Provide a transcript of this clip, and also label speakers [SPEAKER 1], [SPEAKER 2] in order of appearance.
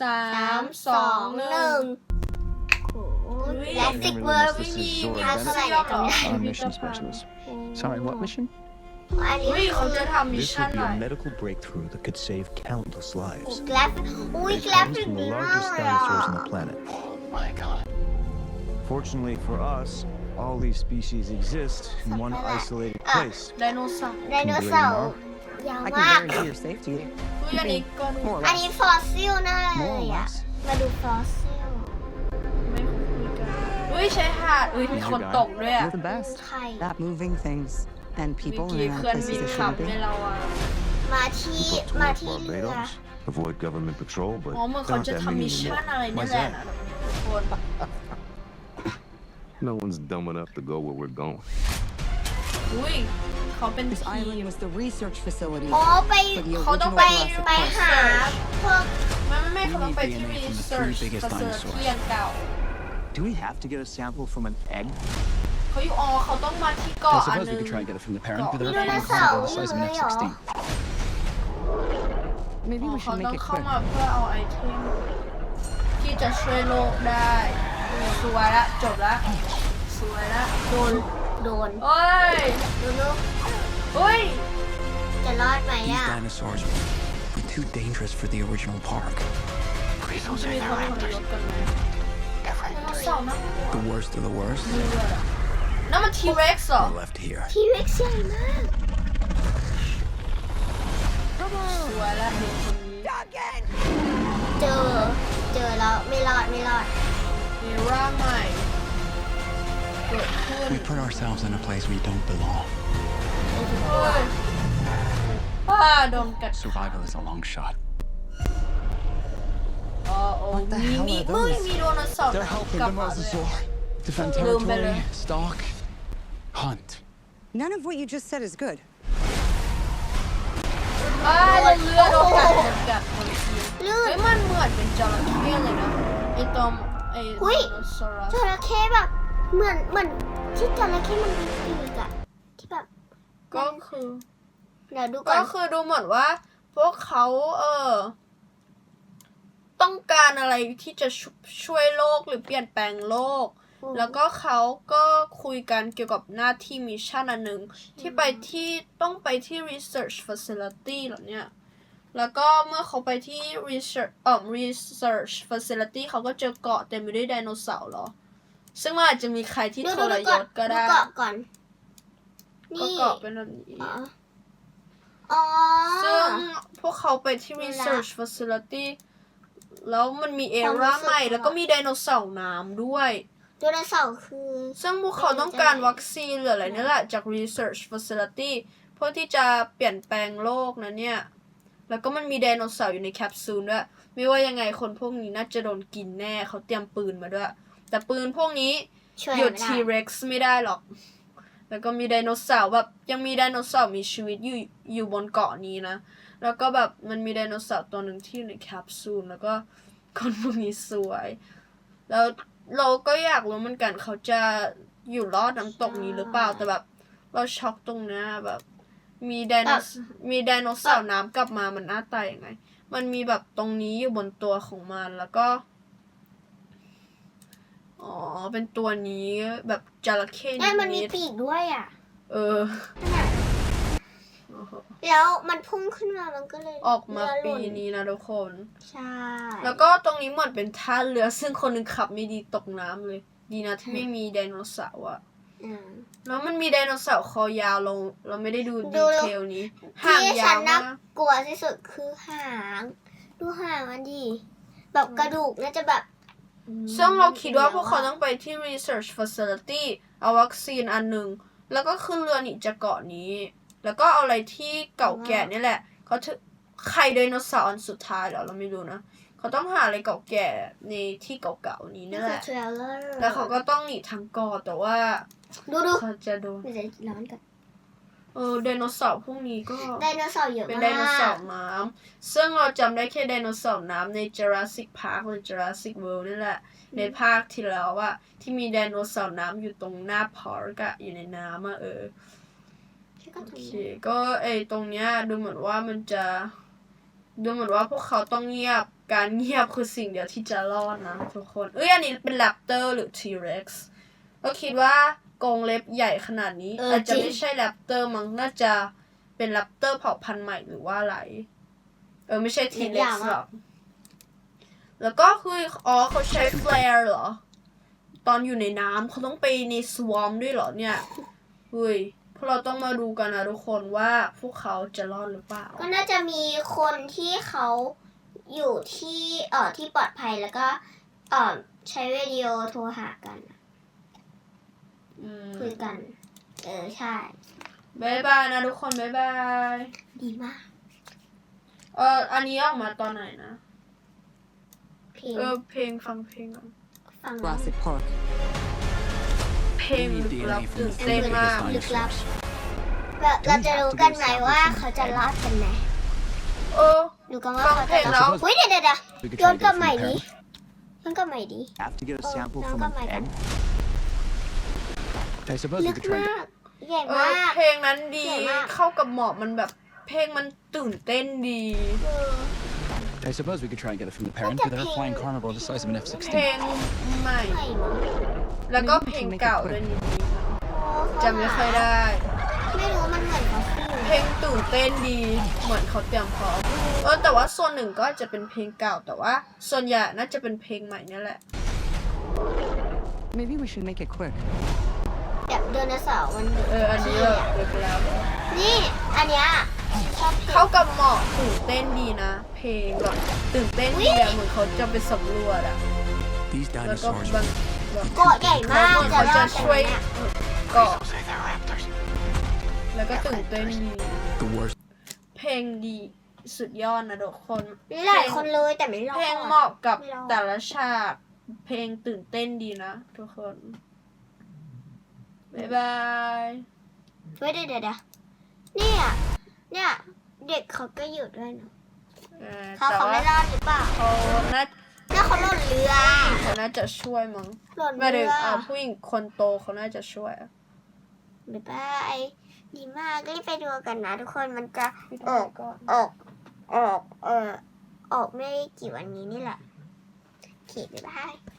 [SPEAKER 1] 3 2 1Jurassic World ไม่มีอะไรตรงนี้
[SPEAKER 2] Mission specialist. Sorry, what mission?
[SPEAKER 1] อันนี้
[SPEAKER 3] เขาจะทำมิช
[SPEAKER 4] This
[SPEAKER 3] ชั่น
[SPEAKER 4] would
[SPEAKER 3] อะ
[SPEAKER 4] be
[SPEAKER 3] ไร
[SPEAKER 4] a medical breakthrough that could save countless lives.
[SPEAKER 1] แกลฟแกลฟ
[SPEAKER 4] It
[SPEAKER 1] ถึ
[SPEAKER 4] comes
[SPEAKER 1] ง
[SPEAKER 4] from
[SPEAKER 1] ดี
[SPEAKER 4] the
[SPEAKER 1] มาก
[SPEAKER 4] largest
[SPEAKER 1] เลยอ่ะ
[SPEAKER 4] dinosaurs on the planet.
[SPEAKER 2] Oh my god.
[SPEAKER 4] Fortunately for us, all these species exist in one isolated place.
[SPEAKER 3] ไดโนเสาร์
[SPEAKER 1] ไดโนเสาร์ยาว
[SPEAKER 5] I
[SPEAKER 1] มาก
[SPEAKER 5] can guarantee your safety.
[SPEAKER 3] เฮ้ยอันนี้ก็
[SPEAKER 5] More or
[SPEAKER 1] อันนี้
[SPEAKER 5] less.
[SPEAKER 1] ฟอสซิลน่าเล
[SPEAKER 2] More or
[SPEAKER 1] ยอ่ะ
[SPEAKER 2] less.
[SPEAKER 1] มาดูฟอสซิล
[SPEAKER 3] ไม่คุยกันเฮ้ยใช้หาดมีคนตกด้วยอ่ะ
[SPEAKER 5] You're the best
[SPEAKER 1] ไข่
[SPEAKER 5] at moving things and
[SPEAKER 3] เมื่
[SPEAKER 5] people
[SPEAKER 3] อกี้
[SPEAKER 5] in
[SPEAKER 3] เพื่อน
[SPEAKER 5] places
[SPEAKER 3] บิน
[SPEAKER 5] they
[SPEAKER 3] ขับ
[SPEAKER 5] shouldn't
[SPEAKER 3] ใน
[SPEAKER 5] be.
[SPEAKER 3] เราอ่ะ
[SPEAKER 1] มาที่
[SPEAKER 4] Put to
[SPEAKER 1] มา
[SPEAKER 4] work
[SPEAKER 1] ที่เรือ
[SPEAKER 4] Barbados. Avoid government patrol, but
[SPEAKER 3] อ๋อเหมือนเขา
[SPEAKER 4] not
[SPEAKER 3] จะ
[SPEAKER 4] that
[SPEAKER 3] ทำมิ
[SPEAKER 4] many
[SPEAKER 3] ชชั่น
[SPEAKER 4] anymore.
[SPEAKER 3] อะไรนี่แหละนะทุกคน
[SPEAKER 4] No one's dumb enough to go where we're going.
[SPEAKER 3] อุ้ยเขาเป็น
[SPEAKER 5] This
[SPEAKER 3] ทีม
[SPEAKER 5] island was the research facility
[SPEAKER 1] อ๋อไป
[SPEAKER 5] for the
[SPEAKER 3] เขาต้อง
[SPEAKER 5] original
[SPEAKER 3] ไป
[SPEAKER 1] ไป
[SPEAKER 5] Jurassic
[SPEAKER 1] หา
[SPEAKER 5] Park.
[SPEAKER 1] พวก
[SPEAKER 3] ไม่เขาต้องไปที่
[SPEAKER 2] We need DNA from the
[SPEAKER 3] research
[SPEAKER 2] three biggest
[SPEAKER 3] facility
[SPEAKER 2] dinosaurs.
[SPEAKER 3] อันเก่า
[SPEAKER 2] Do we have to get a sample from an egg?
[SPEAKER 3] เขาอยู่เขาต้องมาที่
[SPEAKER 2] I
[SPEAKER 3] เกาะอัน
[SPEAKER 2] suppose
[SPEAKER 3] นึ
[SPEAKER 2] we
[SPEAKER 3] ง
[SPEAKER 2] could try and get it from the parent, but
[SPEAKER 3] Got
[SPEAKER 2] they're
[SPEAKER 3] it.
[SPEAKER 2] incredible, the size of an F-16.
[SPEAKER 5] Maybe
[SPEAKER 3] อ๋อ
[SPEAKER 5] we
[SPEAKER 3] เขา
[SPEAKER 5] should
[SPEAKER 3] ต้อ
[SPEAKER 5] make
[SPEAKER 3] ง
[SPEAKER 5] it
[SPEAKER 3] เข้า
[SPEAKER 5] quick.
[SPEAKER 3] มาเพื่อเอาไอเทมที่จะช่วยโลกได้สวยละจบละสวยละ
[SPEAKER 1] โดน
[SPEAKER 3] เฮ้ย
[SPEAKER 1] ดูลูก
[SPEAKER 3] เฮ้ย
[SPEAKER 1] จะรอดไหม
[SPEAKER 2] These
[SPEAKER 1] อ่ะ
[SPEAKER 2] dinosaurs were too dangerous for the original park. Please
[SPEAKER 3] จะมีคนทรยศกันไหมเสาร์นะ
[SPEAKER 2] The worst of the worst
[SPEAKER 3] นั่นมันทีเร็กซ์เหรอ
[SPEAKER 2] are left here.
[SPEAKER 1] ทีเร็กซ์ใหญ่มาก
[SPEAKER 3] สวยละเห็นคนนี้
[SPEAKER 1] เจอแล้วไม่รอด
[SPEAKER 3] มีร่างใหม่เกิดขึ้น
[SPEAKER 2] We put ourselves in a place we don't belong.
[SPEAKER 3] เฮ้ยโดนกัด
[SPEAKER 2] Survival is a long shot.
[SPEAKER 3] โอ้
[SPEAKER 5] What the hell
[SPEAKER 3] มี
[SPEAKER 5] are
[SPEAKER 3] มึง
[SPEAKER 5] those?
[SPEAKER 3] มีโดนเสาร์
[SPEAKER 2] They're helping
[SPEAKER 3] กลับ
[SPEAKER 2] the
[SPEAKER 3] มาด้วย
[SPEAKER 2] mosasaur defend
[SPEAKER 3] Little
[SPEAKER 2] territory,
[SPEAKER 3] better.
[SPEAKER 2] stalk, hunt.
[SPEAKER 5] None of what you just said is good.
[SPEAKER 3] แล้วเรือโดนกัดคนที
[SPEAKER 1] ลื่
[SPEAKER 3] เฮ้
[SPEAKER 1] น
[SPEAKER 3] ยมันเหมือนเป็นจระเข้เลยนะไอตอมไอ
[SPEAKER 1] หุ้ย
[SPEAKER 3] ไดโนเสาร์
[SPEAKER 1] จระเข้แบบเหมือนที่จระเข้มันมีปีกอะที่แบบ
[SPEAKER 3] ก็คือ
[SPEAKER 1] เดี๋ยวดูก่อ
[SPEAKER 3] ก็
[SPEAKER 1] น
[SPEAKER 3] คือดูเหมือนว่า พวกเขาต้องการอะไรที่จะช่วยโลกหรือเปลี่ยนแปลงโลก แล้วก็เขาก็คุยกันเกี่ยวกับหน้าที่มิชชั่นอันหนึ่งที่ต้องไปที่ research facility เหรอเนี่ย แล้วก็เมื่อเขาไปที่ research facility เขาก็เจอเกาะเต็มไปด้วยไดโนเสาร์เหรอ ซึ่งมันอาจจะมีใครที่ทรยศก็ได้
[SPEAKER 1] ดูเกาะก่อน
[SPEAKER 3] ก็
[SPEAKER 1] นี่
[SPEAKER 3] เกาะเป็นแบบนี้
[SPEAKER 1] อ๋อ
[SPEAKER 3] ซึ่งพวกเขาไปที่ research facility แล้วมันมีเอร่าใหม่ แล้วก็มีไดโนเสาร์น้ำด้วย
[SPEAKER 1] ไดโนเสาร์คือ
[SPEAKER 3] ซึ่งพวกเขาต้องการวัคซีนหรืออะไรนี่แหละจาก research facility เพื่อที่จะเปลี่ยนแปลงโลกนะเนี่ย แล้วก็มันมีไดโนเสาร์อยู่ในแคปซูลด้วย ไม่ว่ายังไงคนพวกนี้น่าจะโดนกินแน่ เขาเตรียมปืนมาด้วย แต่ปืนพวกนี้
[SPEAKER 1] ช่วย
[SPEAKER 3] หยุด
[SPEAKER 1] ไม่ได้
[SPEAKER 3] T-Rex ไม่ได้หรอก แล้วก็มีไดโนเสาร์แบบยังมีไดโนเสาร์มีชีวิตอยู่บนเกาะนี้นะ แล้วก็แบบมันมีไดโนเสาร์ตัวหนึ่งที่อยู่ในแคปซูล แล้วก็คนพวกนี้สวย แล้วเราก็อยากรู้เหมือนกันเขาจะอยู่รอดน้ำตกนี้หรือเปล่า แต่แบบเราช็อกตรงเนี้ยแบบมีไดโนเสาร์น้ำกลับมามันหน้าตายังไง มันมีแบบตรงนี้อยู่บนตัวของมันแล้วก็อ๋อเป็นตัวนี้แบบจระเข้
[SPEAKER 1] เนี่ยมันมีปีกด้วยอ่ะ
[SPEAKER 3] เออ
[SPEAKER 1] แล้วมันพุ่งขึ้นมามันก็เลย
[SPEAKER 3] ออกมา
[SPEAKER 1] เรือห
[SPEAKER 3] ปี
[SPEAKER 1] ล่น
[SPEAKER 3] นี้นะทุกคน
[SPEAKER 1] ใช่
[SPEAKER 3] แล้วก็ตรงนี้เหมือนเป็นท่าเรือซึ่งคนหนึ่งขับไม่ดีตกน้ำเลย ดีนะที่ไม่มีไดโนเสาร์อะ
[SPEAKER 1] อืม
[SPEAKER 3] แล้วมันมีไดโนเสาร์คอยาวลงเราไม่ได้ดู
[SPEAKER 1] ดู
[SPEAKER 3] ดีเทลนี้ห่าง
[SPEAKER 1] ที่
[SPEAKER 3] ยา
[SPEAKER 1] ฉัน
[SPEAKER 3] ว
[SPEAKER 1] น่าม
[SPEAKER 3] าก
[SPEAKER 1] กลัวที่สุดคือหาง ดูหางมันดิแบบกระดูกน่าจะแบบ
[SPEAKER 3] ซึ่งเราคิดว่าพวกเขาต้องไปที่ research facility เอาวัคซีนอันหนึ่งแล้วก็ขึ้นเรือหนีจากเกาะนี้ แล้วก็เอาอะไรที่เก่าแก่นี่แหละเขาถือไข่ไดโนเสาร์อันสุดท้ายเหรอเราไม่รู้นะเขาต้องหาอะไรเก่าแก่ในที่เก่าๆนี้
[SPEAKER 1] นี่
[SPEAKER 3] นี่
[SPEAKER 1] คื
[SPEAKER 3] แห
[SPEAKER 1] อ
[SPEAKER 3] ละ
[SPEAKER 1] เทรลเลอร์
[SPEAKER 3] แล้วเขาก็ต้องหนีทางเกาะแต่ว่า
[SPEAKER 1] ดู
[SPEAKER 3] เขาจะโดน
[SPEAKER 1] เดี๋ยวจะร้อนกัน
[SPEAKER 3] ไดโนเสาร์พวกนี้ก็
[SPEAKER 1] ไดโนเสาร์เยอะ
[SPEAKER 3] เป็น
[SPEAKER 1] มาก
[SPEAKER 3] ไดโนเสาร์น้ำซึ่งเราจำได้แค่ไดโนเสาร์น้ำใน Jurassic Park หรือ Jurassic World นี่แหละ ในภาคที่แล้วอะที่มีไดโนเสาร์น้ำอยู่ตรงหน้าพาร์กอะอยู่ในน้ำอะโอเคก็ตรงเนี้ยดูเหมือนว่ามันจะดูเหมือนว่าพวกเขาต้องเงียบการเงียบคือสิ่งเดียวที่จะรอดนะทุกคนอันนี้เป็นแรปเตอร์หรือ T-Rex ก็คิดว่ากรงเล็บใหญ่ขนาดนี้อาจจะไม่ใช่แรปเตอร์มั้งน่าจะเป็นแรปเตอร์เผ่าพันธุ์ใหม่หรือว่าอะไรไม่ใช่ T-Rex หรอกแล้วก็คือเขาใช้แฟลร์เหรอตอนอยู่ในน้ำเขาต้องไปในสวอมด้วยเหรอเนี่ยพวกเราต้องมาดูกันนะทุกคนว่าพวกเขาจะรอดหรือเปล่า
[SPEAKER 1] ก็น่าจะมีคนที่เขาอยู่ที่ที่ปลอดภัยแล้วก็ใช้วิดีโอโทรหากันคุยกันใช่
[SPEAKER 3] บ๊ายบายนะทุกคนบ๊ายบาย
[SPEAKER 1] ดีมาก
[SPEAKER 3] อันนี้ออกมาตอนไหนนะ
[SPEAKER 1] เพลง
[SPEAKER 3] เพลงฟังเพลงก่อน
[SPEAKER 1] ฟัง
[SPEAKER 5] Jurassic Park.
[SPEAKER 3] เพลงลึกลับตื่นเต้นมาก
[SPEAKER 1] ลึกลับเราจะรู้กันไหมว่าเขาจะรอดกันไหมดูกันว่าเขาจะรอดเฮ้ยเดี๋ยวย้อนกลับใหม่ดิย้อนกลับใหม่ดิ
[SPEAKER 4] Have to get a sample
[SPEAKER 1] no,
[SPEAKER 4] from
[SPEAKER 1] come
[SPEAKER 4] an
[SPEAKER 1] on.
[SPEAKER 4] egg. I suppose
[SPEAKER 1] ลึ
[SPEAKER 4] we
[SPEAKER 1] ก
[SPEAKER 4] could try
[SPEAKER 1] มาก ใหญ่มาก
[SPEAKER 3] เพลงนั้นดี
[SPEAKER 1] ใหญ่มาก
[SPEAKER 3] เข้ากับหมอกมันแบบเพลงมันตื่นเต้นดี
[SPEAKER 2] I suppose we could try and get it from the parent
[SPEAKER 1] Look at
[SPEAKER 2] without a flying
[SPEAKER 1] Ping.
[SPEAKER 2] carnivore the size of an
[SPEAKER 3] เพล
[SPEAKER 2] F-16.
[SPEAKER 3] งใหม่
[SPEAKER 1] ใหม่มั้ง
[SPEAKER 3] แล้วก็เพลงเก่าด้วยนิดนึงจำไม่ค่อยได้
[SPEAKER 1] ไม่รู้มันเหมือนเขาฟิล
[SPEAKER 3] เพลงตื่นเต้นดีเหมือนเขาเตรียมพร้อมแต่ว่าส่วนหนึ่งก็อาจจะเป็นเพลงเก่าแต่ว่าส่วนใหญ่น่าจะเป็นเพลงใหม่เนี่ยแหละ
[SPEAKER 5] Maybe we should make it quick.
[SPEAKER 1] แบบไดโนเสาร์มัน
[SPEAKER 3] อันนี้เลิกแล้ว
[SPEAKER 1] นี่อันเนี้ยชอบเพล
[SPEAKER 3] เข้าง กับหมอกตื่นเต้นดีนะ เพลงแบบตื่นเต้นดีอะเหมือนเขาจะไปสำรวจอะ
[SPEAKER 2] These
[SPEAKER 3] แล้วก็
[SPEAKER 2] dinosaurs
[SPEAKER 3] บาง
[SPEAKER 1] เกาะใหญ่มาก
[SPEAKER 3] เขา
[SPEAKER 1] จะร
[SPEAKER 3] จะ
[SPEAKER 1] อดกัน
[SPEAKER 3] ช่วย
[SPEAKER 1] ไหมเนี่ย
[SPEAKER 3] เกาะ
[SPEAKER 2] say they're raptors.
[SPEAKER 3] แล้วก็ตื่นเต้นดี
[SPEAKER 2] The worst.
[SPEAKER 3] เพลงดีสุดยอดนะทุกคน
[SPEAKER 1] มีหลายคนเลยแต่ไม่รอด
[SPEAKER 3] เพลงเหมาะกับ
[SPEAKER 1] ไม่รอด
[SPEAKER 3] แต่ละฉากเพลงตื่นเต้นดีนะทุกคนบ๊ายบาย
[SPEAKER 1] เฮ้ยเดี๋ยวเนี่ยเด็กเขาก็อยู่ด้วยเนาะเขา
[SPEAKER 3] แต่
[SPEAKER 1] เขา
[SPEAKER 3] ว่า
[SPEAKER 1] ไม่รอดหรือเปล่า
[SPEAKER 3] เขาน่า
[SPEAKER 1] แล้วเขาหล่นเรือ
[SPEAKER 3] เขาน่าจะช่วยมั้ง
[SPEAKER 1] หล่น
[SPEAKER 3] ไม่
[SPEAKER 1] เรื
[SPEAKER 3] ได้
[SPEAKER 1] อ
[SPEAKER 3] ผู้หญิงคนโตเขาน่าจะช่วย
[SPEAKER 1] บ๊ายบายดีมากรีบไปดูกันนะทุกคนมันจะออก
[SPEAKER 3] ก่อน
[SPEAKER 1] ออกไม่กี่วันนี้นี่แหละโอเคบ๊ายบาย